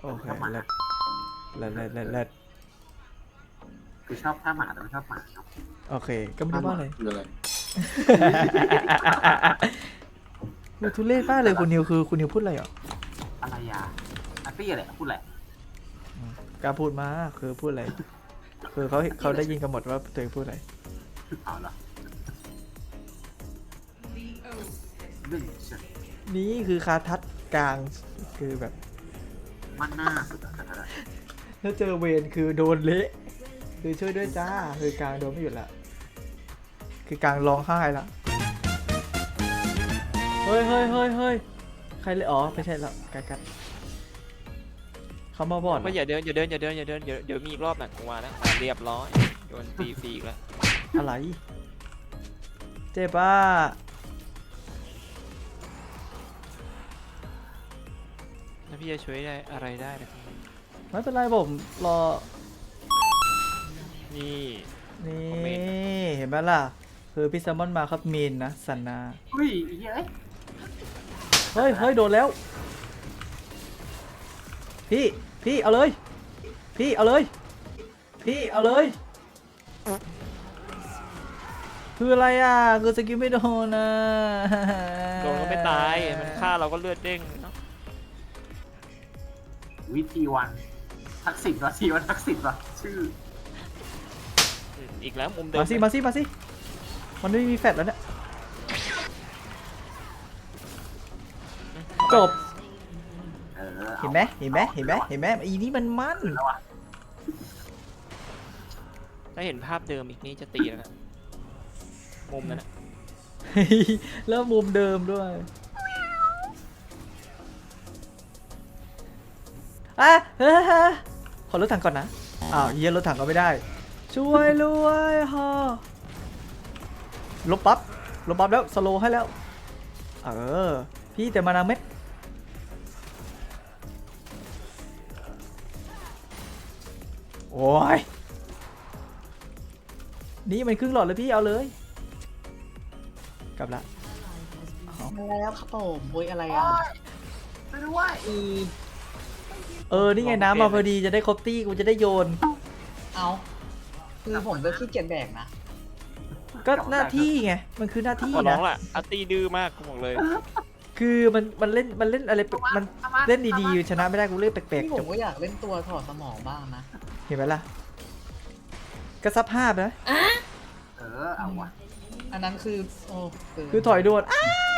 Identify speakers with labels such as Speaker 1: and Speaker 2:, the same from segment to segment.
Speaker 1: โอเคเลิศเลิศ
Speaker 2: คือชอบท่าหมาแต่ไม่ชอบหมาเนาะ
Speaker 1: โอเคก็ไม่ได้ว่าอะไร
Speaker 3: คืออะไร
Speaker 1: คือทุเรศมากเลยคุณนิวคือคุณนิวพูดอะไรอ่ะ
Speaker 2: อะไรอ่ะอาร์ตี้อะไรพูดแหละ
Speaker 1: กล้าพูดมาคือพูดอะไรคือเขาได้ยินกันหมดว่าตัวเองพูดอะไร
Speaker 2: เอาเหรอเรื่องเชิญ
Speaker 1: นี่คือคาทัดกลางคือแบบ
Speaker 2: มันหน้าสุดอะ
Speaker 1: ถ้าเจอเวรคือโดนเละคือช่วยด้วยจ้าคือกลางโดนไม่หยุดละคือกลางร้องไห้ละเฮ้ยใครเลยอ๋อไม่ใช่แล้วกัดเขามาบอด
Speaker 4: ไม่อย่าเดินเดี๋ยวมีอีกรอบหนักกว่านะเรียบร้อยโดนตีฟรีอีกแล้ว
Speaker 1: อะไรเจ็บป่ะ
Speaker 4: แล้วพี่จะช่วยได้อะไรได้นะครับ
Speaker 1: ไม่เป็นไรผมรอ
Speaker 4: นี่
Speaker 1: นี่
Speaker 4: คอมเมนต์
Speaker 1: เห็นไหมล่ะคือพี่แซมมอนมาครับมีนนะสันนา
Speaker 2: เฮ้ยเฮ้ย
Speaker 1: เฮ้ยโดนแล้วพี่เอาเลยพี่เอาเลยคืออะไรอ่ะคือสกิลไม่โดนนะ
Speaker 4: โดนก็ไม่ตายมันฆ่าเราก็เลือดเด้งเนาะ
Speaker 2: วิธีวันทักษิณวะทีวันทักษิณวะชื่อ
Speaker 4: อีกแล้วมุมเดิม
Speaker 1: มาสิมันไม่มีแฟตแล้วเนี่ยจบ เห็นไหมอีนี่มันมั่น
Speaker 2: แล้ววะ
Speaker 4: ถ้าเห็นภาพเดิมอีกนี่จะตีแล้วนะมุมนั้นนะ
Speaker 1: แล้วมุมเดิมด้วยขอรถถังก่อนนะอ้าวเยี่ยรถถังก็ไม่ได้ช่วยรวยฮะลบปั๊บแล้วสโลให้แล้วพี่แต่มานาเม็ดโอ้ยนี่มันครึ่งหลอดเลยพี่เอาเลยกลับละ
Speaker 5: แล้วครับผมโวยอะไรอ่ะ
Speaker 2: ไม่รู้ว่า
Speaker 1: นี่ไงน้ำมาพอดีจะได้ครบตี้กูจะได้โยน
Speaker 5: เอาคือผมก็ขี้เกียจแบกนะ
Speaker 1: ก็หน้าที่ไงมันคือหน้าที่
Speaker 4: ขอร้อ
Speaker 1: นะ
Speaker 4: งล่ะอาร์ตี้ดื้อมากกูบอกเลย
Speaker 1: คือมันเล่นอะไรมันเล่นดีๆชนะไม่ได้กูเล่นแปลก
Speaker 5: ที่
Speaker 1: ๆ
Speaker 5: ผ
Speaker 1: จ
Speaker 5: ม
Speaker 1: บ
Speaker 5: ก็อยากเล่นตัวถอดสมองบ้างนะ
Speaker 1: เห็นไหมล่ะกระซับภาพนะ
Speaker 2: เอาวะ
Speaker 5: อันนั้นคือโอ้
Speaker 1: คือถอยโดน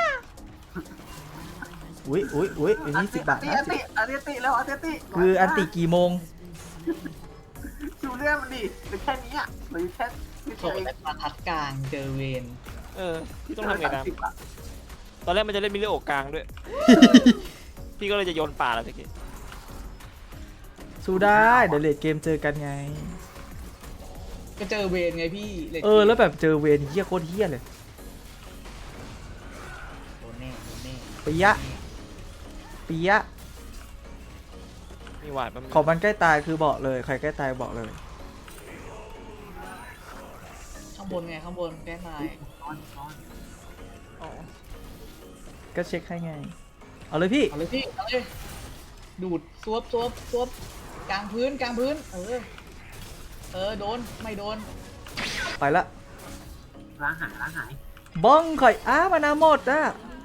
Speaker 1: อุ้ยอันนี้10 บาทนะ
Speaker 2: อาร์ตี้แล้วอาร์ตี้
Speaker 1: คืออันติกี่โมง
Speaker 2: ดูเรื่องมันดิหรือแค่นี้อ่ะหรือแค่ไม่
Speaker 5: โถ
Speaker 2: ใช่
Speaker 5: และมาทัดกลางเจอเวน
Speaker 4: พี่ต้องทำไงนะตอนแรกมันจะเล่นมิเลโอกลางด้วย พี่ก็เลยจะโยนป่าแล้วตะกี้
Speaker 1: สู้ได้เดี๋ยวเลดเกมเจอกันไง
Speaker 5: ก็เจอเวนไงพี่เลย
Speaker 1: แล้วแบบเจอเวรเฮี้ยโคตรเฮี้ยเลย
Speaker 5: โดนแน่
Speaker 1: ปิยะ
Speaker 4: มีหวาดมัน
Speaker 1: ของมันใกล้ตายคือบอกเลยใครใกล้ตายบอกเลย
Speaker 5: ข้างบนไงข้างบนแก้ตาย
Speaker 4: อ๋อ
Speaker 1: ก็เช็คให้ไงเอาเลยพี่
Speaker 5: เอาเลยพี่เอาเลยดูดซวบกลางพื้นโดนไม่โดน
Speaker 1: ไปละ
Speaker 2: ล้างหาย
Speaker 1: บ้องข่อยมานาหมดอ่ะ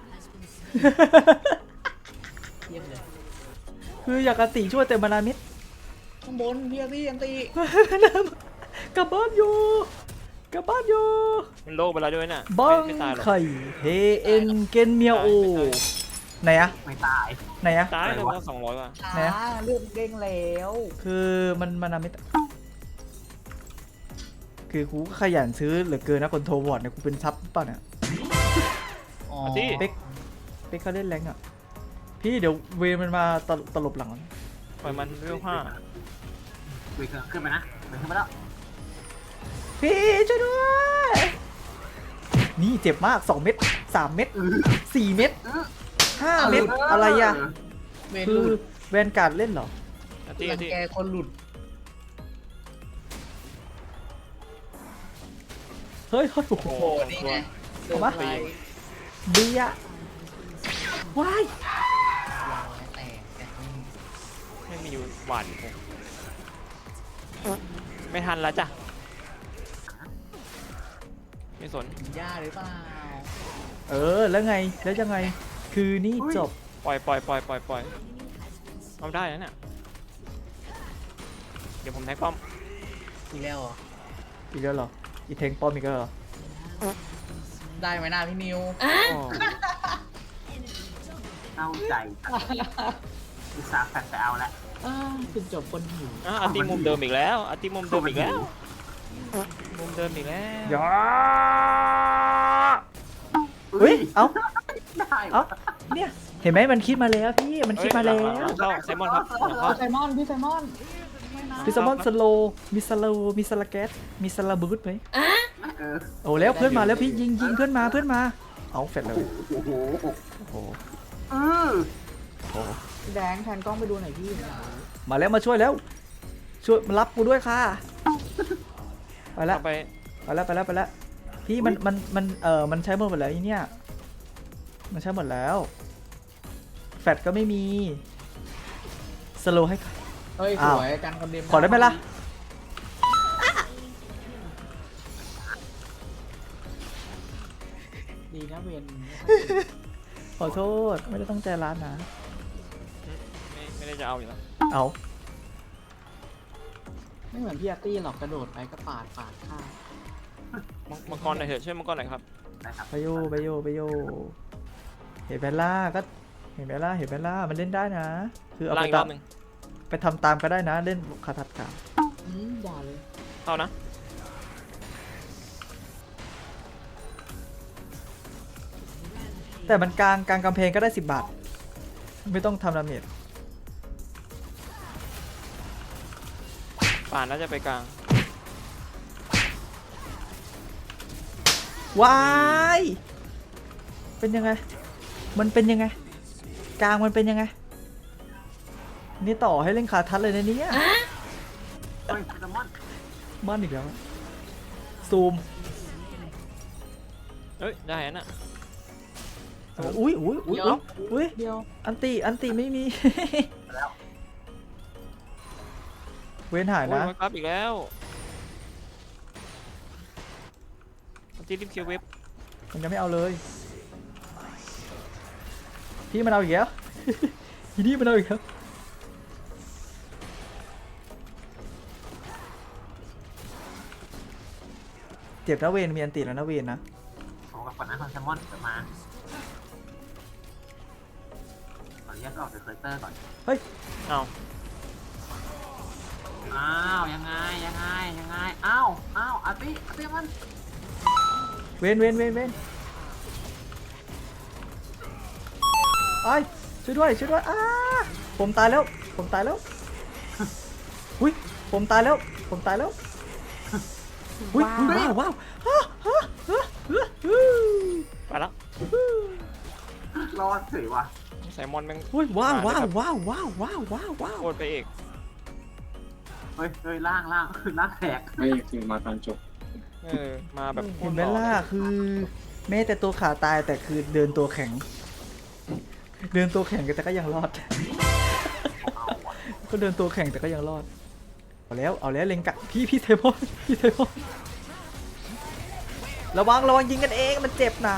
Speaker 5: เยี่ยมเลย
Speaker 1: คืออยากกระติช่วยแต่มานามิด
Speaker 5: ข้างบนพี่ยันตี
Speaker 1: กลับบ้านอยู่
Speaker 4: มันโลกไปแล้วด้วยน่ะ
Speaker 1: บ้อง
Speaker 4: ไม่ตายหรอก
Speaker 1: ไข่เฮเอ็นเกนเมียวโอไหนอะ
Speaker 2: ไม่ตาย
Speaker 4: ตายเลยว่า200ว่ะ
Speaker 5: ช้า
Speaker 1: ไหนอะ
Speaker 5: เลือดเด้งแล้ว
Speaker 1: คือมันมานามิดคือกูก็ขยันซื้อเหลือเกินนะคนโทรวอร์ดเนี่ยกูเป็นซับป่ะเนี่ย
Speaker 5: อ๋อ
Speaker 1: เป๊กเขาเล่นแรงอ่ะพี่เดี๋ยวเวรมันมาตลบหลังมัน
Speaker 4: ปล่อยมันเร็วห้า
Speaker 2: คุยขึ้นไปนะขึ้นไปแล้ว
Speaker 1: พี่ช่วยด้วยนี่เจ็บมาก2 เม็ด3 เม็ด4 เม็ด5 เม็ดอะไรอ่ะ
Speaker 5: เวน
Speaker 1: คื
Speaker 5: ห
Speaker 1: อ
Speaker 5: ลุด
Speaker 1: แวนการ์ดเล่นเหรอ
Speaker 4: อาร์ตี้
Speaker 5: รั
Speaker 4: อาง ร์ตี้
Speaker 5: แกคนหลุด
Speaker 1: เฮ้ยโอ้โห
Speaker 5: โอ้โหนี่ไงเจอ
Speaker 1: เอามา
Speaker 5: ไป
Speaker 1: เบียร์ว้าย
Speaker 5: แตก
Speaker 4: ไม่มีหวานเลยไม่ทันแล้วจ้ะไม่สน
Speaker 5: ย่าหรือเปล่า
Speaker 1: เออแล้วไงแล้วยังไงคือนี่จบ
Speaker 4: ปล่อยทำได้นะเนี่ยเดี๋ยวผมแท็กป้อม
Speaker 5: อีกแล้วเหรอ
Speaker 1: อีกแล้วเหรออีเทงป้อมอีกแล้วเหรอ
Speaker 5: ได้ไหมหน้าพี่นิว
Speaker 4: โอ้
Speaker 2: เศร้าใจอุตส่าห์แฟนไปเอาแล้ว
Speaker 5: จุดจบคนหิว
Speaker 4: อาร์ติมุมเดิมอีกแล้วอาร์ติมุมเดิมอีกแล้วมุมเดิมอีกแล้ว
Speaker 1: ยาเฮ้ยเอ้า
Speaker 2: ได้
Speaker 1: เอ้าเนี่ยเห็นไหมมันคิดมาแล้วพี่มันคิดมาแล้ว
Speaker 4: หลังเข้าไซมอนครับหลังเข้า
Speaker 5: พี่ไซมอนพี่ไซมอนไม่นะ
Speaker 1: พิซซามอนสโลมีสโลมีสลาแกสมีสลาบูทไหม
Speaker 2: เออ
Speaker 1: โอ้แล้วเพื่อนมาแล้วพี่ยิงเพื่อนมาเอาเฟดเลย
Speaker 2: โอ้โห
Speaker 1: โอ้โห
Speaker 2: เออ
Speaker 1: โอ้โห
Speaker 5: พี่แดงแทนกล้องไปดูหน่อยพี่
Speaker 1: มาแล้วมาช่วยแล้วช่วยมารับกูด้วยค่ะไปแล้ว
Speaker 4: เอาไป
Speaker 1: ไปแล้วพี่มันใช้หมดแล้วไอ้เนี่ยมันใช้หมดแล้วแฟดก็ไม่มีสโลให้
Speaker 5: เฮ้ย
Speaker 1: อ้าว
Speaker 5: สวยกันคนเดียว
Speaker 1: ขอได้ไหมล่ะ
Speaker 5: ดีนะเวน
Speaker 1: ขอโทษไม่ได้ตั้งใจร้านนะ
Speaker 4: ไม่ได้จะเอาอยู่แล้ว
Speaker 1: เอา
Speaker 5: ไม่เหมือนพี่อาร์ตี้หรอกกระโดดไปก็ปาดข้าว
Speaker 4: มังกรหน่อยเถอะช่วยมังกรหน่อยครับ
Speaker 2: ได้ครับ
Speaker 1: ไปโยเห็นเบลล่าก็เห็นเบลล่ามันเล่นได้นะ คือเอา
Speaker 4: ล่าง
Speaker 1: ไป
Speaker 4: อีกร
Speaker 1: ตา
Speaker 4: อ
Speaker 1: ม
Speaker 4: บหนึ่ง
Speaker 1: ไปทำตามก็ได้นะเล่นคาทัดกา
Speaker 5: อย่าเลย
Speaker 4: เข้านะ
Speaker 1: แต่มันกลางกำแพงก็ได้10 บาท ไม่ต้องทำดาเมจ
Speaker 4: ป่านน่าจะไปกลาง
Speaker 1: วายเป็นยังไงมันเป็นยังไงกลางมันเป็นยังไงนี่ต่อให้เล่นคาทัดเลยนะเนี่ย
Speaker 2: เฮ้ยแซลมอน
Speaker 1: มันอีกแล้วซูม
Speaker 4: เอ้ยได้น่ะ
Speaker 1: อุ้ย
Speaker 5: เดียว
Speaker 1: อันติไม่มี
Speaker 2: แล้ว
Speaker 1: เว้นหาย
Speaker 4: โอ้ย
Speaker 1: นะ
Speaker 4: มาครับอีกแล้วที่รีบเคียวเว็บ
Speaker 1: มันยังไม่เอาเลย พี่มันเอาอีกแล้ว ทีนี้มันเอาอีกแล้วเจ็บนะเวนมีอันติแล้วนะเวนนะ
Speaker 2: โอ้กับก่อนนะคอนแซลมอนเดี๋ยวมาขออนุญาตออกจากเคอร์เตอร์ก่อน
Speaker 4: เอา
Speaker 2: อ้าวยังไงอ้าวอาร์ตี้มัน
Speaker 1: เวนไอ้ยช่วยด้วยผมตายแล้วอุ้ยผมตายแล้วอุ้ยว้าว
Speaker 4: ไปแล้ว
Speaker 2: รอดเฉยว่ะ
Speaker 4: ไซมอนแม่ง
Speaker 1: อุ้ยว้าว
Speaker 4: โคตรไปเอก
Speaker 2: เฮ้ยล่างแตก
Speaker 3: ไม่คือมาตอนจบ
Speaker 4: มาแบบ
Speaker 1: เห็นไหมล่ะคือแม้แต่ตัวขาตายแต่คือเดินตัวแข็งแต่ก็ยังรอด ก็เดินตัวแข็งแต่ก็ยังรอดเอาแล้วเล็งกะพี่เทมอนระวังยิงกันเองมันเจ็บหนา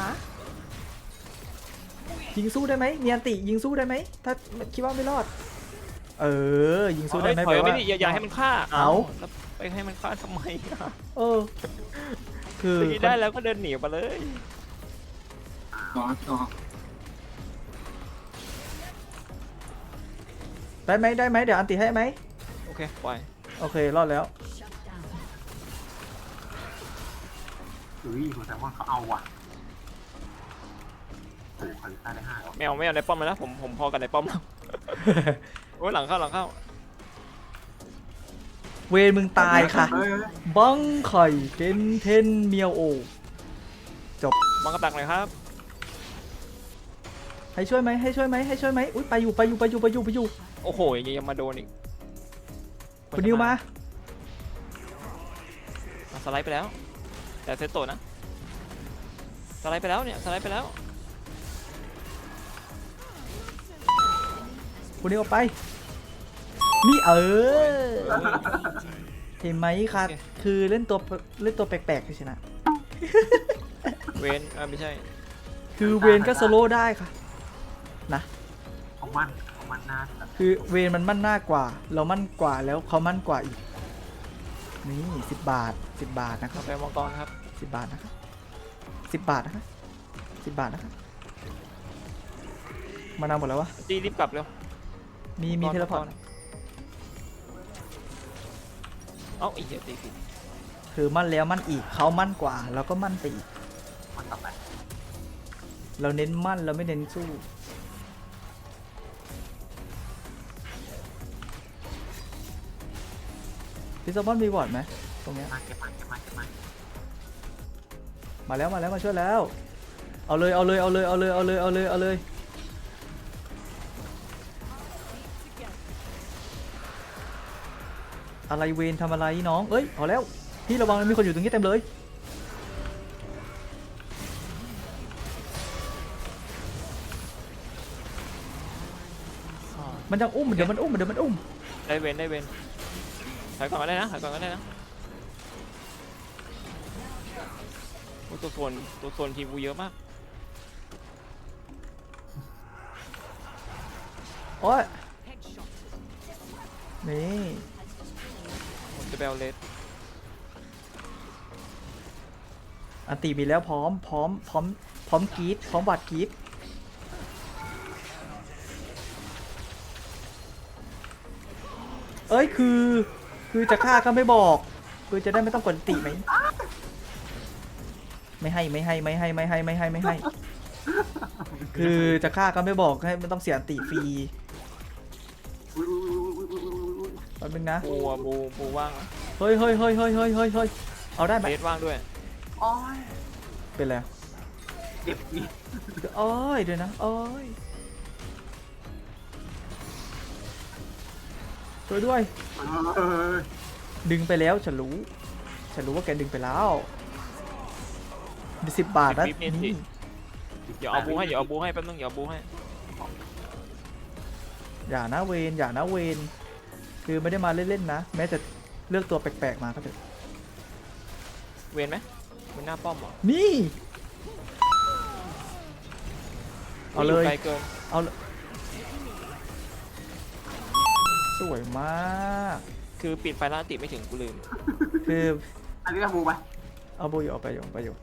Speaker 1: ยิงสู้ได้ไหมมีอันติยิงสู้ได้ไหมถ้าคิดว่าไม่รอดยิงสู้ได้ไหม
Speaker 4: ถอย
Speaker 1: แปล
Speaker 4: ไม่
Speaker 1: ว่า
Speaker 4: ดิอย่าให้มันฆ่า
Speaker 1: เอา
Speaker 4: แล้วไปให้มันฆ่าทำไมอะ
Speaker 1: คือ
Speaker 4: ตีได้แล้วก็เดินหนีไปเลย
Speaker 3: ก็
Speaker 1: ได้ไหมเดี๋ยวอันติให้ไหม
Speaker 4: โอเคปล่อย
Speaker 1: โอเครอดแล้ว
Speaker 2: เฮ้ยคอนแซลมอนเขาเอาว่ะโอ้คาริต้าได้5แล้ว
Speaker 4: ไม่เอาในป้อมเลยนะผมพอกันในป้อมแล้วโอ้ยหลังเข้า
Speaker 1: เวรมึงตายค่ะ
Speaker 2: เฮ้ย
Speaker 1: บังไข่เทนเมียวโอ
Speaker 4: บังกระดักหน่อยครับ
Speaker 1: ให้ช่วยไหมอุ้ยไปอยู่
Speaker 4: โอ้โหยังมาโดนอีก
Speaker 1: คุณนิวมา
Speaker 4: สไลด์ไปแล้ว แต่เซตโตนะสไลด์ไปแล้ว
Speaker 1: คุณนิวออกไปนี่เห็นไหมคะคือเล่นตัวแปลกๆคือชนะ
Speaker 4: เวนไม่ใช่
Speaker 1: คือเวนก็สโลว์ได้ค่ะนะ
Speaker 2: ของมันนะ
Speaker 1: คือเวนมันมั่นหน้ากว่า เรามั่นกว่าแล้วเขามั่นกว่าอีกนี่10 บาท10 บาทนะครับ
Speaker 4: กาแฟมังกรครับ
Speaker 1: 10 บาทนะครับ10 บาทนะครับ10 บาทนะครับมานานหมดแล้ววะ
Speaker 4: จีรีบกลับเร็ว
Speaker 1: มีเทเลพอร์ต
Speaker 4: เอ้าไอ้เหี้ยตีผิด
Speaker 1: คือมั่นแล้วมั่นอีกเขามั่นกว่าเราก็มั่นไปอีก
Speaker 2: มันต่อไป
Speaker 1: เราเน้นมั่นเราไม่เน้นสู้พี่ซอมบอนมีวอร์ดไหมตรงเนี้ย
Speaker 2: มาเก็บมา
Speaker 1: มาแล้วมาช่วยแล้วเอาเลยอะไรเวนทำอะไรน้องเอ้ยเอาแล้วพี่ระวังมีคนอยู่ตรงนี้เต็มเลยมันจะอุ้มเดี๋ยวมันอุ้ม
Speaker 4: ได้เวนถอยก่อนก็ได้นะโอ้ตัวโซนทีมกูเยอะมาก
Speaker 1: โอ้ยนี่
Speaker 4: ผมจะไปเอาเลส
Speaker 1: อันตีมีแล้วพร้อมกรีดพร้อมบัดกรีดเอ้ยคือจะฆ่าก็ไม่บอกคือจะได้ไม่ต้องกดติไหมไม่ให้คือจะฆ่าก็ไม่บอกให้ไม่ต้องเสียติฟรีแป๊บนึงนะ
Speaker 4: บูว่างนะ
Speaker 1: เฮ้ยเอาได้ไหม
Speaker 4: เลสว่างด้วย
Speaker 2: โอ้ย
Speaker 1: เป็นไร
Speaker 2: เจ็บนี่
Speaker 1: โอ้ยเดี๋ยวนะโอ้ยช่วยด้วย ดึงไปแล้วฉันรู้ว่าแกดึงไปแล้ว10 บาทนะนี่
Speaker 4: เดี๋ยวเอาบูให้แป๊บนึงอย่านะเวนคือไม่ได้มาเล่นๆนะแม้จะเลือกตัวแปลกๆมาก็เถอะ เวนไหมมันหน้าป้อมเหรอ
Speaker 1: นี่เอาเลย
Speaker 4: ไกลเกิน
Speaker 1: เอาเลยสวยมาก
Speaker 4: คือปิดไฟแล้วติดไม่ถึงกูลืม
Speaker 1: คือ
Speaker 2: อันนี้ก็บูไป
Speaker 1: เอาโบอยู่เอาไปอยู่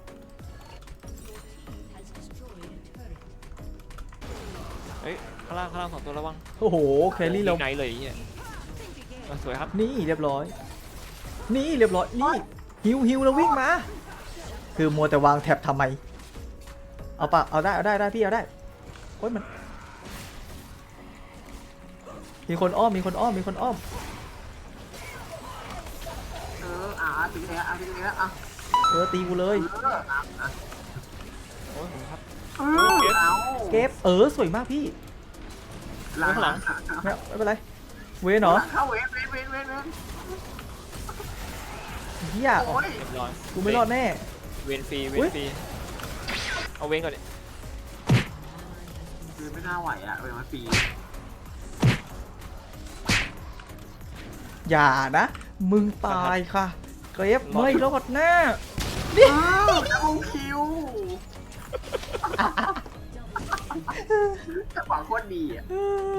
Speaker 4: เฮ้ยข้างล่าง2 ตัวระวัง
Speaker 1: โอ้โหแครี่เรา
Speaker 4: ไหนเลยเนี่ยสวยครับ
Speaker 1: นี่เรียบร้อยนี่ฮิวแล้ววิ่งมาคือมัวแต่วางแท็บทำไมเอาปะเอาได้พี่เอาได้โอ๊ยมันมีคนอ้อม
Speaker 2: ถึงแล้ว
Speaker 1: ตีกูเลย
Speaker 4: โอ้ยครับ
Speaker 1: เก็บสวยมากพี่
Speaker 4: ข้างหลัง
Speaker 1: ไม่เป็นไรเวนเหรอ
Speaker 2: เข้าเวน
Speaker 1: เฮีย
Speaker 2: โอ้ย
Speaker 4: เรียบร้อย
Speaker 1: กูไม่รอดแน่
Speaker 4: เวนฟรีเอาเวนก่อนดิ
Speaker 2: คือไม่น่าไหวอ่ะเวนมาปี
Speaker 1: อย่านะมึงตายค่ะเก็บไม่รอดแน่
Speaker 2: ดับเบิลคิวจังหวะโคตรดีอ่ะ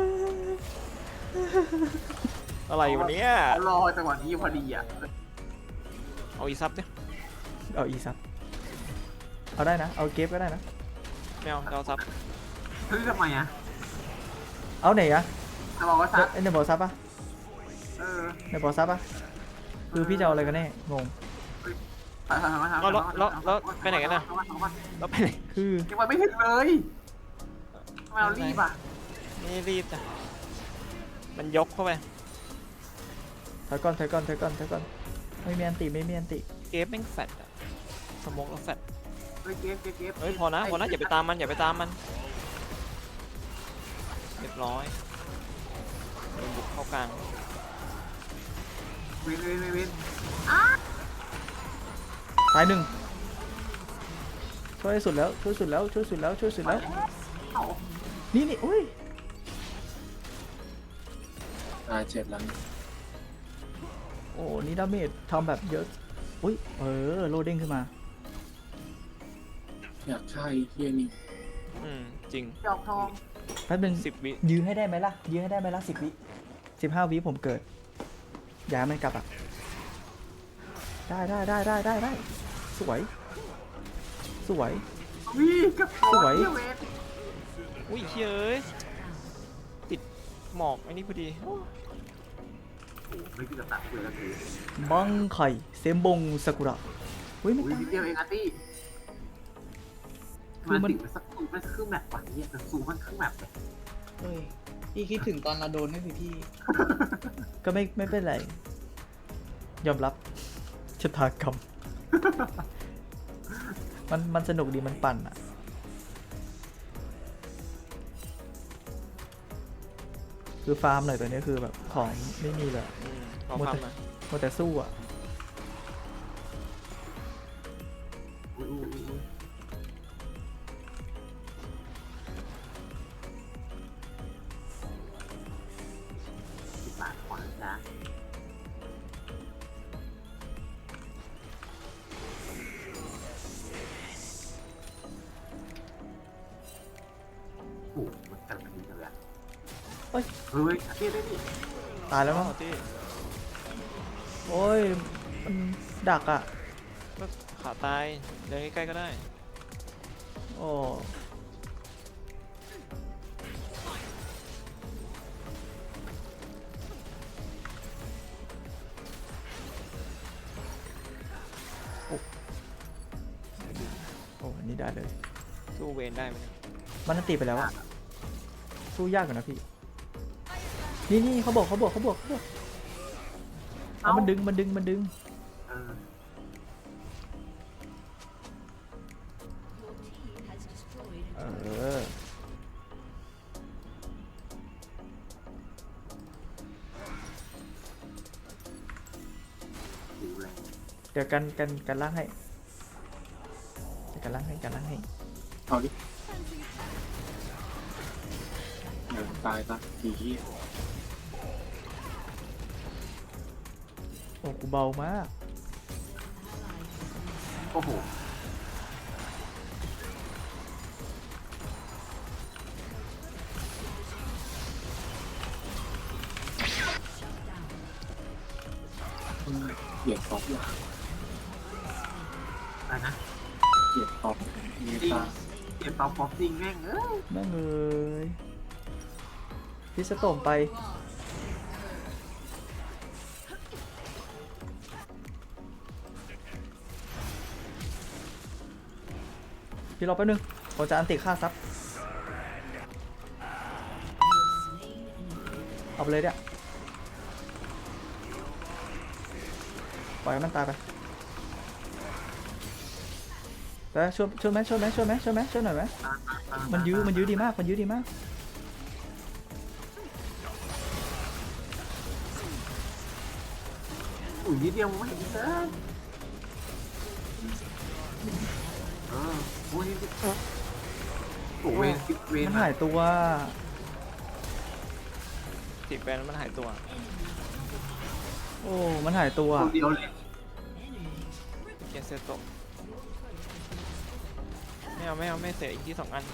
Speaker 4: อะไรวันนี้
Speaker 2: รอจังหวะนี้พอดีอ่ะ
Speaker 4: เอาอีซับดิ
Speaker 1: เอาอีซับเอาได้นะเอาเก็บก็ได้นะ
Speaker 4: ไม่เอาซับ
Speaker 2: เฮ้ยทำไมอ่ะ
Speaker 1: เอาไหนอะ
Speaker 2: จะบอกว่าซับ
Speaker 1: ในบอซับปะ ในบอซับปะคือพี่จะเอาอะไรกันแน่งง
Speaker 4: แล้วไปไหนกันนะแล้วไปไหน
Speaker 1: คือ
Speaker 2: ยังไม่ถึงเลยทำไมเรารีบอ่ะ
Speaker 4: ไม่รีบจ้ะมันยกเข้าไป
Speaker 1: ถอยก่อนไม่มีอันติ
Speaker 4: เกฟแม่งแฟดอะสมองแล้วแฟด
Speaker 2: เฮ้ยเก็บ
Speaker 4: เฮ้ยพอนะอย่าไปตามมันเรียบร้อยโดนบุกเข้ากลาง
Speaker 2: เว้น
Speaker 1: ตายหนึ่งช่วยสุดแล้วนี่อุ้ย
Speaker 3: ตาย7แล้ว
Speaker 1: โอ้นี่ดาเมจทำแบบเยอะอุ้ยโลดเด้งขึ้นมา
Speaker 3: อยากฆ่าไอ้เฮียนี่
Speaker 4: จริง
Speaker 2: ดอกทอง
Speaker 1: แป๊บนึง
Speaker 4: 10 วิ
Speaker 1: ยื้อให้ได้ไหมล่ะยื้อให้ได้ไหมล่ะ10 วิ15 วิผมเกิดอย่าให้มันกลับอ่ะได้สวยสวย
Speaker 2: วิ่งกับ
Speaker 1: สวย
Speaker 2: เวน
Speaker 4: อุ้ยเฮ้ยติดหมอกไอ้นี่พอดีโอ้
Speaker 2: ไม่คิดจะตัดเลยแล้วคือ
Speaker 1: บังไข่เซมบงซากุระเฮ้ยไม่
Speaker 2: อุ้ย
Speaker 1: ตาย
Speaker 2: นิดเดียวเองอาร์ตี้
Speaker 1: คือมัน
Speaker 2: ติดมันสักตูมันครึ่งแมปวันนี้แต่ซูมันครึ่งแมปเลย
Speaker 5: เฮ้ยพี่คิดถึงตอนเราโดนไหมพี่
Speaker 1: ก็ไม่เป็นไร ยอมรับชะตากรรม มันสนุกดีมันปั่นอ่ะ คือฟาร์มหน่อยตัวนี้คือแบบของไม่มีเลย
Speaker 4: ขอความหน่อย
Speaker 1: มัวแต่สู้อ่ะ
Speaker 2: อุ้ย10 บาทขวาจ้ะโอ้โหมันกำลังดีจังเลยอะ
Speaker 1: เฮ้ย
Speaker 2: เฮ้ยอาร์ตี้ได้ดิ
Speaker 1: ตายแล้วมั้ง
Speaker 4: ที่
Speaker 1: โอ้ย มันดักอ่ะ
Speaker 4: ก็ขาตายเดินใกล้ๆก็ได้
Speaker 1: โอ้โอ้อันนี้ได้เลย
Speaker 4: สู้เวนได้ไหมเนี่ย
Speaker 1: มันนันตีไปแล้วอะสู้ยากกว่านะพี่ นี่เขาบอกเอามันดึง
Speaker 2: เออ
Speaker 1: เออ
Speaker 2: หิวแรง
Speaker 1: เดี๋ยวกันล่างให้เดี๋ยวกันล่างให้
Speaker 3: เอาดิเดี๋ยวตายซะไอ้เฮีย
Speaker 1: โอ้กูเบามาก
Speaker 2: โอ้โห
Speaker 3: เหยียดท็อป
Speaker 2: อะไรนะ
Speaker 3: เหยียดท็อปเมตา
Speaker 2: เก็บเตาป๊อปจริงแม่งเอ้ย
Speaker 1: แม่งเอ้ยพี่สะโตมไป พี่รอแป๊บนึงผมจะอันติฆ่าซับเอาไปเลยเนี่ยปล่อยให้มันตายไปแต่ช่วยไหมช่วยหน่อยไหมมันยื้อดีมาก
Speaker 2: อุ้ยนิดเดียวไม่เห็นเลยโอ้ยนิดเดียวโอ้เวนเวน
Speaker 1: มันหายตัว
Speaker 4: ติดแบนมันหายตัว
Speaker 1: โอ้มันหายตัว
Speaker 2: คนเดียวเลย
Speaker 4: เกียนเซโตะไม่เอาเสียอีกที่2 อัน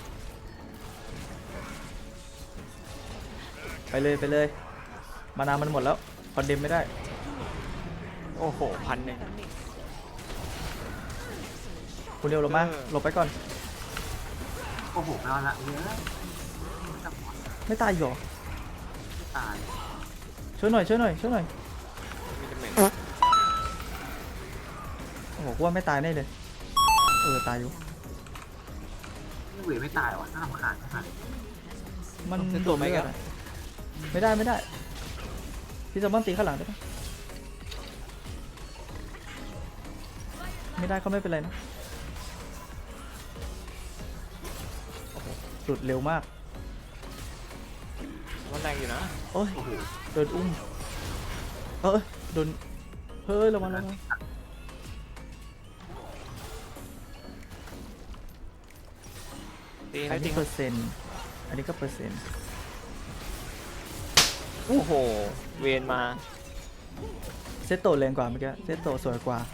Speaker 1: ไปเลยมานามันหมดแล้วคอนเดมไม่ได้
Speaker 4: โอ้โห1,000
Speaker 1: คุณเร็วลงมาหลบไปก่อน
Speaker 2: โอ้โหไม่เอาละเยอะจับหัว
Speaker 1: ไม่ตายอีกเหรอ
Speaker 2: ไม่ตาย
Speaker 1: ช่วยหน่อย
Speaker 4: มีดาเมจ
Speaker 1: โอ้โหกูว่าไม่ตายแน่เลยตายอยู่
Speaker 2: นี่เวไม่ตายว่ะน่ารำคาญขนาดนี้
Speaker 1: มัน
Speaker 4: เซ
Speaker 1: โด
Speaker 4: โตะ
Speaker 1: ด
Speaker 4: ไม่
Speaker 1: ไม่
Speaker 4: กั
Speaker 1: ได้
Speaker 4: น
Speaker 1: ไม่ได้พี่แซมมอนตีข้างหลังได้ปะไม่ได้ก็ไม่เป็นไรนะโอ้โหหลุดเร็วมาก
Speaker 4: มันแรงอยู่นะ
Speaker 1: โอ้ย
Speaker 2: โอ้โห
Speaker 1: โดนอุ้มโดนเฮ้ยระวัง
Speaker 4: ตี
Speaker 1: อั
Speaker 4: ให้
Speaker 1: น
Speaker 4: จริ
Speaker 1: นี้
Speaker 4: ง
Speaker 1: เปอร์เซ็นต์อันนี้ก็เปอร์เซ็นต์
Speaker 4: โอ้โห เวนมา
Speaker 1: เซตโตแรงกว่าเมื่อกี้เซตโตสวยกว่า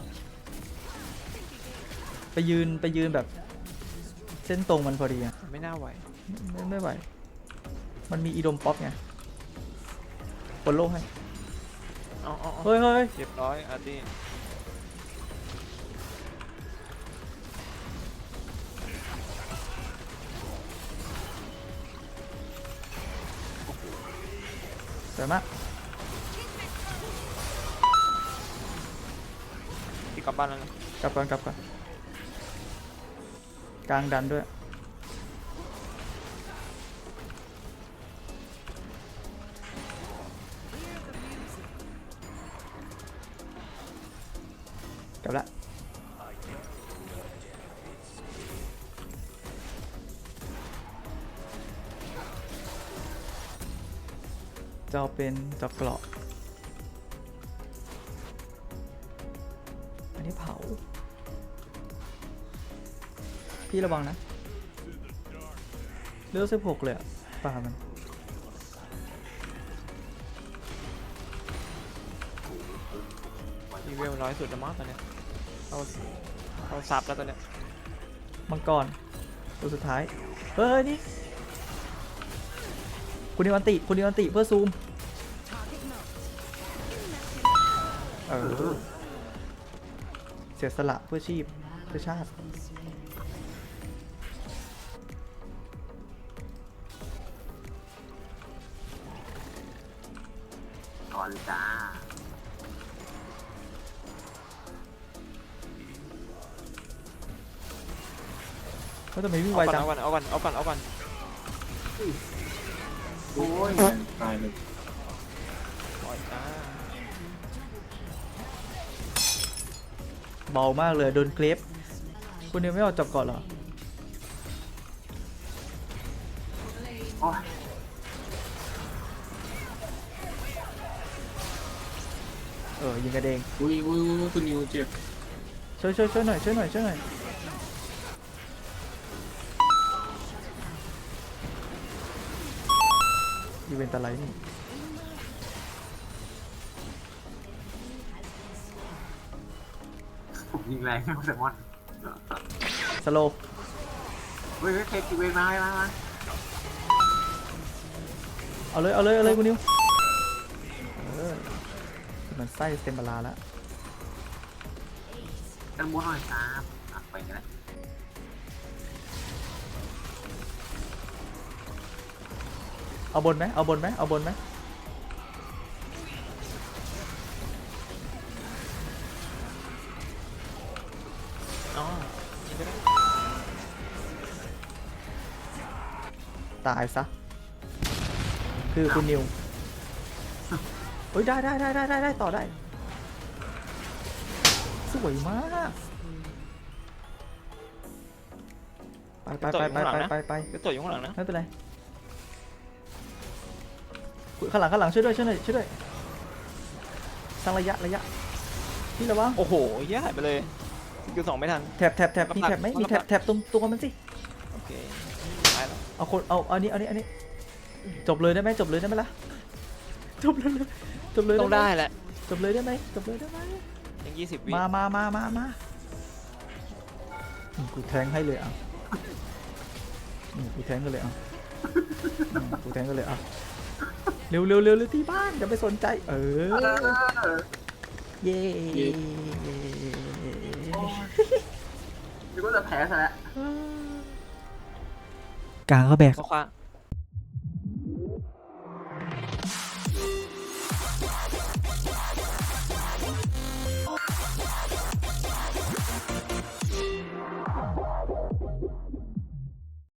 Speaker 1: ไปยืนแบบเส้นตรงมันพอดีอะ
Speaker 4: ไม่น่าไหว
Speaker 1: ไม่ไหว มันมีอีดมป๊อปไงปนโลกให้
Speaker 4: เอา
Speaker 1: เฮ้ย
Speaker 4: เรียบร้อยอาร์ตี้
Speaker 1: สวยมาก
Speaker 4: ที่กลับบ้านแล้วนะ
Speaker 1: กลับก่อนกลางดันด้วยกลับละจะเอาเป็นจอกเกราะอันนี้เผา พี่ระวังนะเลือด16เลยอะป่ามัน
Speaker 4: มีเวลน้อยสุดแล้วมั้งตอนเนี้ยเขาซับแล้วตอนเนี้ย
Speaker 1: มังกรตัวสุดท้าย เฮ้ย นี่ คุณนิวันติเพื่อซูม เสียสละเพื่อชีพเพื่อชาติ
Speaker 2: ก่อนเลยจ้า
Speaker 1: ก็ทำไมวิ่งไวจัง
Speaker 4: เอาก่อน
Speaker 2: โอ้ย
Speaker 3: ตายเลย
Speaker 4: ปล่อยจ้า
Speaker 1: เบามากเลยโดนเกรฟคุณนิวไม่ออกจับก่อนเหรอ
Speaker 2: โอ้ย
Speaker 1: ยิงกระเดง
Speaker 3: อุ้ยคุณนิวเจ็บ
Speaker 1: ช่วยหน่อยอีเวนต์อะไรนี่
Speaker 2: ผมยิงแรงไม่แซลมอน
Speaker 1: สโลว์
Speaker 2: เฮ้ยเทคกิเวนมา
Speaker 1: เอาเลยคุณนิวมันไส้เต็มบาลาแล้ว
Speaker 2: กันม้วนหน่อยครับไปกันแล้ว
Speaker 1: เอาบนไหม
Speaker 4: อ๋อยิงก็ได้
Speaker 1: ตายซะ คือคุณนิวเฮ้ยได้ต่อได้ สวยมาก ไป
Speaker 4: ก็ตัวอยู่ข้างหลังนะ
Speaker 1: ไม่เป็นไรข้างหลังช่วยด้วยสร้างระยะพี่ระวัง
Speaker 4: โอ้โหแย่ไปเลยคิว2ไม่ทัน
Speaker 1: แถบมีแถบไหมมีแถบตรงตัวมันสิ
Speaker 4: โอเคตายแล้ว
Speaker 1: เอาอันนี้จบเลยได้ไหมล่ะจบเลย
Speaker 4: ต้องได้แหละ
Speaker 1: จบเลยได้ไหม
Speaker 4: ยัง20 วิ
Speaker 1: มากูแทงให้เลยอ่ะกูแทงกันเลยอ่ะเร็วที่บ้านอย่าไปสนใจเย้
Speaker 2: นึกว่าจะแพ้ซะแล้ว
Speaker 1: กลางก็แบก
Speaker 4: เขาคว้า